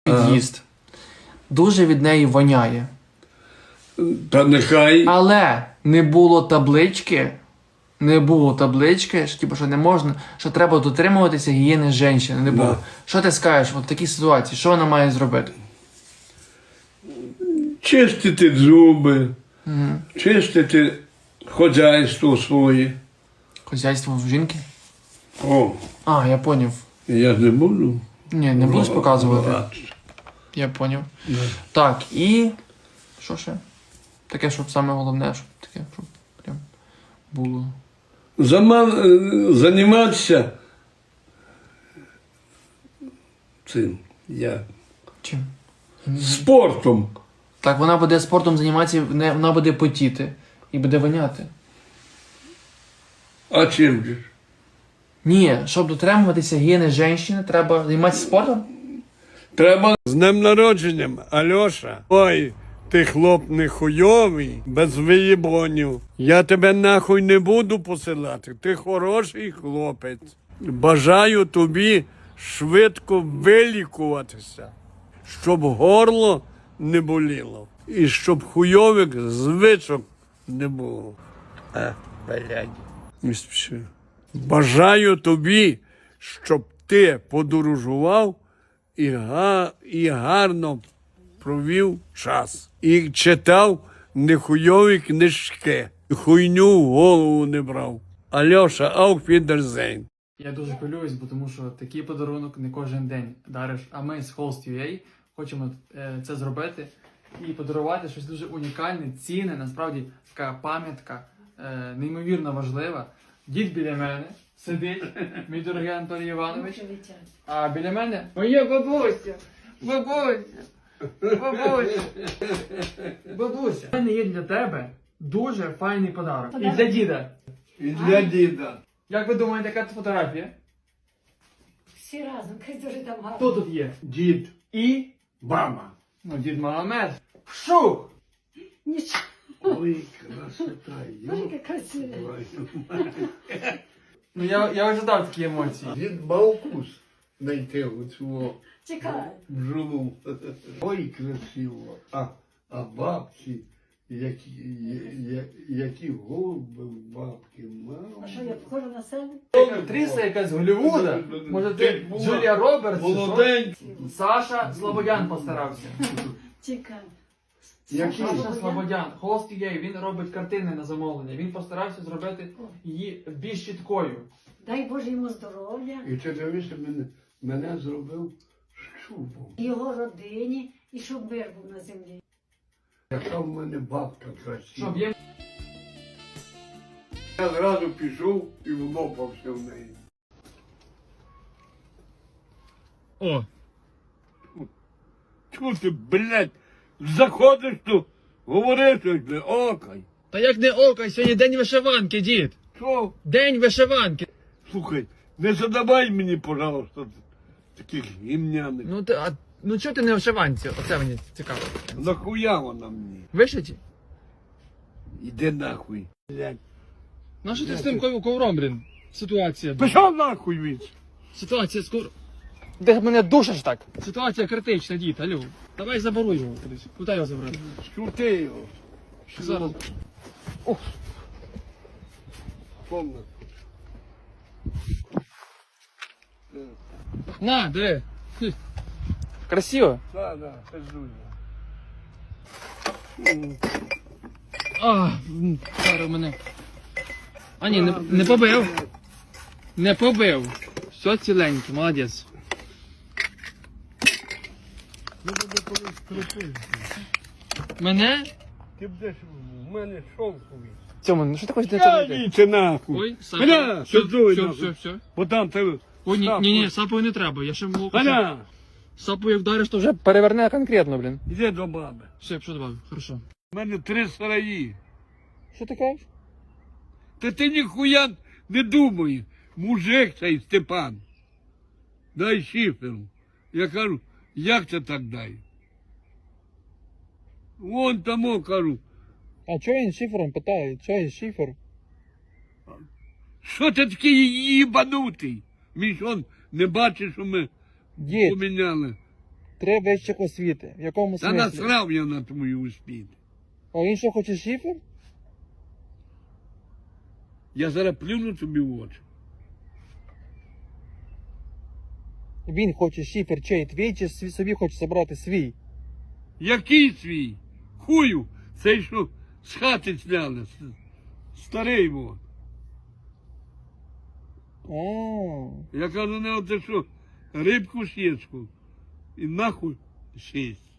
під'їзд. Дуже від неї воняє. Та нехай. Але не було таблички, що, типу, що не можна, що треба дотримуватися гігієни жінки. Не було. Да. Що ти скажеш в такій ситуації? Що вона має зробити? Чистити зуби, чистити хазяйство своє. Хазяйство в жінки? О, А, я поняв. я ж не буду. Ні, не будеш показувати. Ладно. Я поняв. Так, і... Що ще? Таке, щоб саме головне, щоб таке, щоб прям було. Займатися цим, Чим? спортом. Так, вона буде спортом займатися, вона буде потіти і буде воняти. А чим же? Ні, щоб дотримуватися гігієни жінки, треба займатися спортом? Треба з днем народженням, Альоша. Ой, ти хлоп не хуйовий, без виєбонів. Я тебе нахуй не буду посилати. Ти хороший хлопець. Бажаю тобі швидко вилікуватися, щоб горло не боліло. І щоб хуйових звичок не було. Блядь. Не спіши. Бажаю тобі, щоб ти подорожував і гарно провів час. І читав нехуйові книжки. І хуйню в голову не брав. Альоша, auf Wiedersehen. Я дуже хвилююсь, бо тому що такий подарунок не кожен день дариш. А ми з Host.ua хочемо це зробити і подарувати щось дуже унікальне, цінне, насправді така пам'ятка, неймовірно важлива. Дід біля мене сидить, мій дорогий Анатолій Іванович, а біля мене моя бабуся. Бабуся. У мене є для тебе дуже файний подарунок. І для діда. І для діда. Як ви думаєте, яка це фотографія? Всі разом, хай дуже там гарно. Хто тут є? Дід, І? мама. Ну, дід Магомед. Вшух! Нічого, Ой, красота. ой, яка красива. Ну, я ожидав такі емоції. Дід Баукус знайти оцю Чекай. бджолу. Ой, красиво. А бабці, які голуби в бабки, мама. А що, я похожа на себе? Актриса якась з Голлівуда. Може, ти Джулія Робертс? чи що? Молоденький. Саша Слободян постарався. Чекай. Який? Саша Слободян. Host.ua, він робить картини на замовлення. Він постарався зробити її більш чіткою. Дай Боже йому здоров'я, І ти дивишся, мене зробив щубом. його родині, і щоб мир був на землі. Яка в мене бабка красива. Щоб є... Я зразу пішов і влопався в неї. О! Чого ти, блядь, заходиш тут, говориш щось, блядь, окай. Та як не око, сьогодні день вишиванки, дід. Що? День вишиванки. Слухай, не задавай мені, пожалуйста, таких гімняних. Ну чого ти не в вишиванці? Оце мені цікаво. Нахуя вона мені? Вишиті? Іди нахуй. Блядь. Ну що ти з тим ковром, блін? Ситуація. Пішов нахуй від. Ситуація скоро. Де мене душиш так? Ситуація критична, дід, алло. Давай заборуй його кудись. Куди його забрати? Скрути його. Зараз. Ох. Помни. На, диви. Хм. Красиво. Да, пиздуй. Зараз мене. А ні, не побив. Не побив. Все ціленьке, молодець. Мене? Ти будеш в мене шовковий. Цьому, ну що ти хочеш Йдіть нахуй. Ой, Аля, все, пиздуй все, нахуй. все. Бо там тебе... Ой, ні, сапою не треба, я ще можу... Аля, Сапою вдариш, то вже переверне конкретно, блін. іди до баби. Все, що добавив, хорошо. У мене 3 сараї. Що ти кажеш? Та ти ніхуя не думай. Мужик цей Степан. Дай шиферу. Я кажу, як це так дай? Вон тому кажу, А чого він шифером питає? Чого він шифер? що ти такий їбанутий? Він що, не бачиш, що ми Дід, поміняли? 3 вищих освіти. В якому Та смислі? насрав я на твою успіх. А він що хоче шифер? Я зараз плюну тобі в очі. Він хоче шифер чей твій, чи собі хоче забрати свій? Який свій? Хую, цей що з хати зняли. Старий вот. А, Я кажу, не оте що, рибку сєчку. І нахуй сість.